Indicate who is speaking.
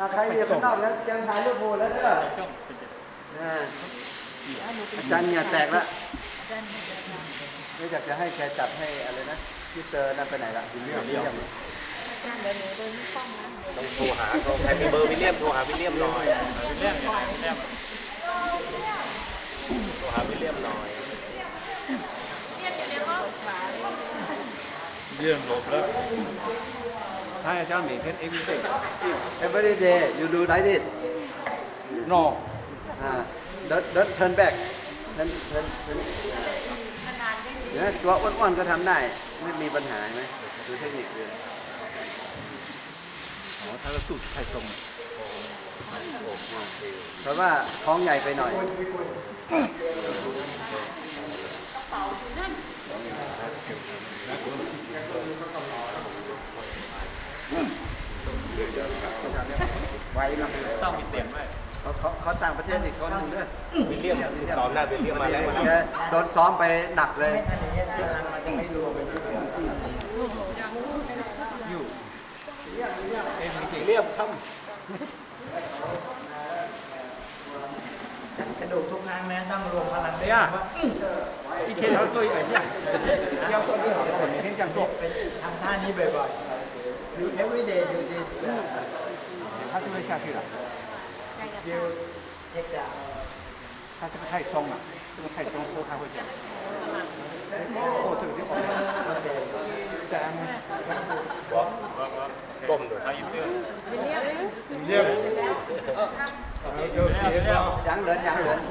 Speaker 1: ใครอยู่ข้างนอกแล้วเตรียมถ่ายรูปโพลแล้วเด้ออาจารย์เนี่ยแตกแล้วไม่อยากจะให้แกจัดให้อะไรนะที่เจอนั่นไปไหนละวิลเลียม
Speaker 2: ต้องโทรหาเขาใครมีเบอร์วิลเลียมโทรหาวิลเลียมหน่อยวิลเลียมโทรหาวิลเลียมหน่อย
Speaker 3: เยี่ยมหลบแล้วให้อาจารย์เหม่งเพชร everything
Speaker 1: every day you do like this
Speaker 3: no
Speaker 1: don't turn back เนี่ยตัวอ้วนๆก็ทำได้ไม่มีปัญหาไหมดูเทคนิคเลย
Speaker 3: อ๋อถ้าเราสูดไข่ตรง
Speaker 1: เพราะว่าท้องใหญ่ไปหน่อยไว้ลำ
Speaker 2: ต้องมีเสียงด้วย
Speaker 1: เขาต่างประเทศอีกคนหนึ่งด้วย
Speaker 2: วิลเลียมตอนหน้าวิลเลียมมาแล้ว
Speaker 1: แกโดนซ้อมไปหนักเลย
Speaker 2: วิลเลียมท
Speaker 4: กระดูกทุกครั้งนะต้องรวมพลัง
Speaker 3: 呀一天要做一百下要做多少次每天这样做
Speaker 4: ทำท่านี้บ่อยๆ you every day do this
Speaker 3: 它就会下去了
Speaker 4: skill take down
Speaker 3: 它这个太松了这个太松后它会这样后这个就好了再按摩
Speaker 2: ำก้มด้วย
Speaker 3: วิลเลียม
Speaker 1: ยังเหลือ